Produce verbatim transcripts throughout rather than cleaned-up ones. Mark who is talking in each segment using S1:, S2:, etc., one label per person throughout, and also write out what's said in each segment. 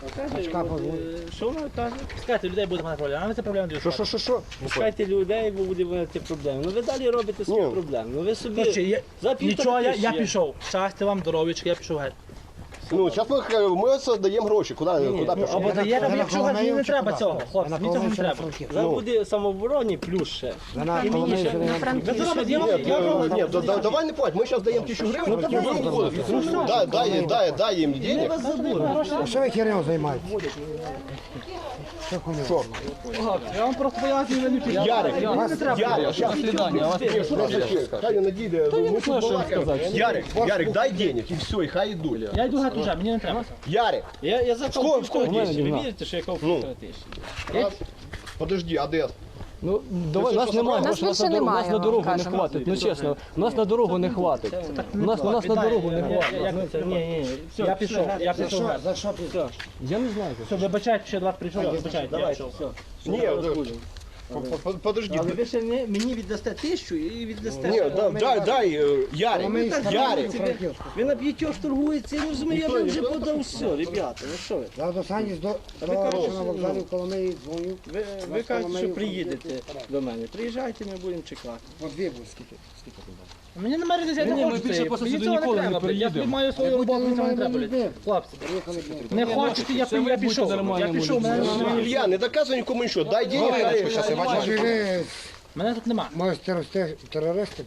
S1: Бачка позвонить.
S2: Що вона каже? Пускайте людей, буде мати проблема. А ви це проблема
S3: Що, що, що, що?
S1: Пускайте людей, бо буде мати проблеми. Ну ви далі робите свої
S3: Ні.
S1: проблеми. Ну ви собі
S2: Короче, я,
S1: за півтора
S2: нічого, я, я
S1: тисячі.
S2: пішов. Щастя вам, здоров'ячка, я пішов геть.
S3: Ну, зараз ми, ми оце даємо гроші. Куди, куди
S2: Ну,
S3: пішов?
S2: або дає, або я пішов геть, мені не треба цього. Хлопці,
S1: На
S2: мені цього не треба.
S1: Зараз буде самообороні плюс ще.
S4: Вона
S1: І мені ще.
S2: Ви це робите, я вам,
S3: Ні,
S2: я
S3: ні,
S2: вам
S3: ні, да- да- давай не плать, ми зараз даємо тисячу гривень, потім будемо виходити. Дай, дай, дай, дай їм денег.
S4: Що ви херню займаєтесь?
S3: Що?
S2: Я вам просто пояснюю, ви не пішли.
S3: Ярик,
S2: не треба.
S3: Ярик, щас. Ні, що це таке? Хай не надійде, ми тут балакаємо. Ярик, Ярик, дай денег і все, і хай йдуть.
S2: Я йду геть уже, мені не треба.
S3: Ярик,
S1: Я, я за
S3: Сколько-
S1: півтора
S3: сколько?
S1: тисячі. Ви вірите, що я кав півтора тисячі?
S3: подожди, а де?
S5: Ну, давай, нас немає,
S6: Нас
S5: грошей, нас
S6: більше
S5: на дорогу, нас
S6: немає,
S5: на
S6: вам
S5: дорогу не
S6: кажемо.
S5: хватить. Ну чесно, нас на дорогу не хватить. Нас, нас на дорогу не хватить.
S2: Ні, ні, все, я пішов, я пішов геть.
S1: За що ти?
S5: Я не знаю.
S2: Все, вибачайте, що я до вас прийшов, вибачайте, я пішов.
S3: Ні, по- по- подожди.
S1: Але ви ще не, мені віддасте тисячу і віддасте.
S3: Ні,
S1: ще-
S3: да- дай, дай, е, Ярик, Ярик.
S1: Ви, ви на п'ятьох торгуєте, я не розумію, я вам вже подав все, ребята, ну що ви?
S4: Я до Сані до
S1: ви
S4: того,
S1: кажете,
S4: що на вокзалі в Коломиї дзвоню.
S1: Ви, ви кажете, що приїдете до мене. Приїжджайте, ми будемо чекати.
S4: По дві буде, скільки? Скільки туди?
S2: Мені немає різниці, я
S5: Ні,
S2: не
S5: ми
S2: хочу
S5: більше
S2: це.
S5: просто
S2: Мені
S5: сюди
S2: цього
S5: ніколи не
S2: треба, блядь. Я
S5: приїдемо.
S2: маю свою роботу, мені цього не треба, блядь. Хлопці,
S4: Приїхали, блін.
S2: не хочете, я,
S5: Це
S2: я,
S5: ви
S2: я
S5: будьте
S2: пішов. Я
S5: нормальними
S2: пішов, мене
S5: людьми.
S2: немає.
S3: Илья, не доказуй нікому нічого, дай денег. хай-
S4: Може ви
S2: Мене тут нема.
S4: можете рости терористи?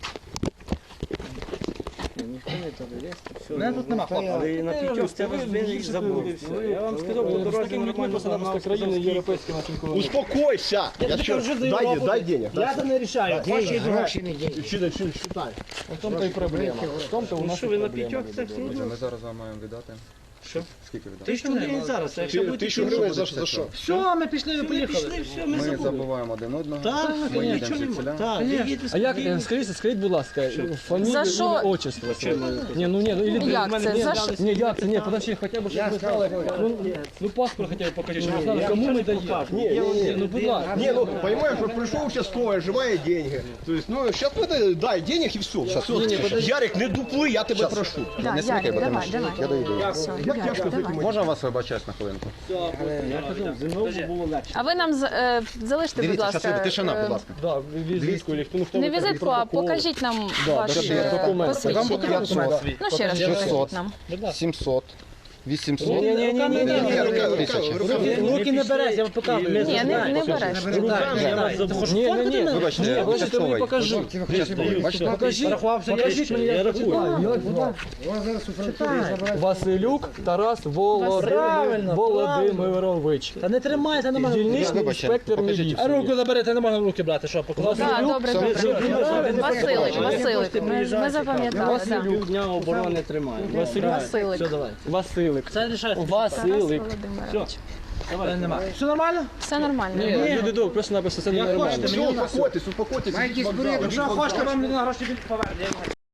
S1: Ніхто не терорист, все.
S2: Мене тут нема, хлопці.
S1: Але на п'ятьох це вас винні забули все. Я вам сказав, по дорозі нормально
S5: Просто країни європейські наші ніколи.
S3: Успокойся. Я що, дай, дай денег.
S2: Я це не рішаю.
S4: Гроші, гроші не є.
S3: Считай, считай.
S5: В тому то і проблема. В тому то у
S1: Ну
S5: нас
S1: що
S5: і
S1: ви на
S5: проблема.
S1: п'ятьох це всі?
S7: Ми зараз вам маємо віддати.
S1: Що?
S7: Скільки віддати?
S1: Тисячу гривень зараз, а якщо будете
S3: Тисячу гривень за, за що?
S2: Все, ми пішли, ви
S1: Ми
S2: поїхали.
S1: пішли, все, ми
S7: Ми
S1: забули.
S7: забуваємо один одного.
S1: Так,
S7: Ми їдемо
S1: нічого
S7: звідсіля.
S1: немає. Так, ви їдете
S5: А як,
S1: спокійно.
S5: е, скажіть, скажіть, будь ласка, фамілію,
S6: За що?
S5: ім'я, отчество своє. Ні, ну ні, ну или
S6: Як
S5: ні,
S6: це?
S5: ні,
S6: За
S5: ні,
S6: що?
S5: ні, як це, ні, подожди, хоча б, щоб ми знали, ну, ну паспорт хоча б покажіть, щоб ми знали, кому ми даємо.
S3: Ні, ні, ні.
S5: Ну, будь ласка.
S3: Не, ну, понимаешь, вот пришел участковый, живая деньги. То есть, ну, сейчас мы дай денег и все. Ярик, не дуплы, я тебя прошу.
S6: Да,
S7: Не смикай,
S6: Ярик,
S7: бо
S6: давай,
S7: тому
S6: давай.
S7: що я дойду.
S6: Все,
S3: Як
S6: Ярик,
S3: тяжко
S6: давай.
S7: Можна вас вибачати на хвилинку?
S1: Знову було легше.
S6: А ви нам з- е, залиште, будь
S7: Дивіться,
S6: ласка,
S7: зараз тишина,
S6: е,
S7: будь ласка.
S5: Да, візитку, или хто, ну, хто
S6: не
S5: ви
S6: візитку,
S5: такий,
S6: а
S5: протокол.
S6: покажіть нам
S5: Да,
S6: ваше
S5: покажіть
S6: е,
S5: документи.
S6: посвідчення.
S7: п'ятсот,
S6: Ну ще раз
S7: шістсот.
S6: покажіть нам.
S7: сімсот, вісімсот.
S5: Ні, ні, ні, ні, ні, ні.
S7: Тисяча.
S2: Руки не береш, я вам показую.
S6: Ні, не, не береш.
S2: Руками я вас забув.
S5: Ні, ні, ні.
S7: Вибачте,
S5: Ні,
S7: я
S5: ви ж тобі
S7: участковий.
S5: покажи.
S7: Бачите?
S5: Покажіть,
S2: Порахувався, я
S5: покажіть мені, я рахую. Як звати?
S4: Вас зараз у французі забирають.
S5: Василюк Тарас Володимир-
S2: Правильно,
S5: Володимирович.
S2: Та не тримайся, не можна.
S5: Дільничний
S7: Вибачте,
S5: інспектор
S7: покажіть.
S5: міліції.
S2: А руку заберете, не можна в руки брати, що покладати.
S6: Так, добре, добре. Василик, Василик, ми, ми запам'ятали. да.
S1: Півдня оборони тримає.
S6: Василик.
S5: Василик.
S2: Це рішає.
S6: Тарас
S5: Василик.
S6: Володимирович.
S2: Давай, нема. Все нормально?
S6: Все нормально.
S5: Ні, люди добре, просто написано, це не нормально.
S3: Все, успокойтесь, успокойтесь.
S4: Маєте
S3: Вокзал.
S4: зброю,
S2: Якщо хочете, вам людина гроші поверне.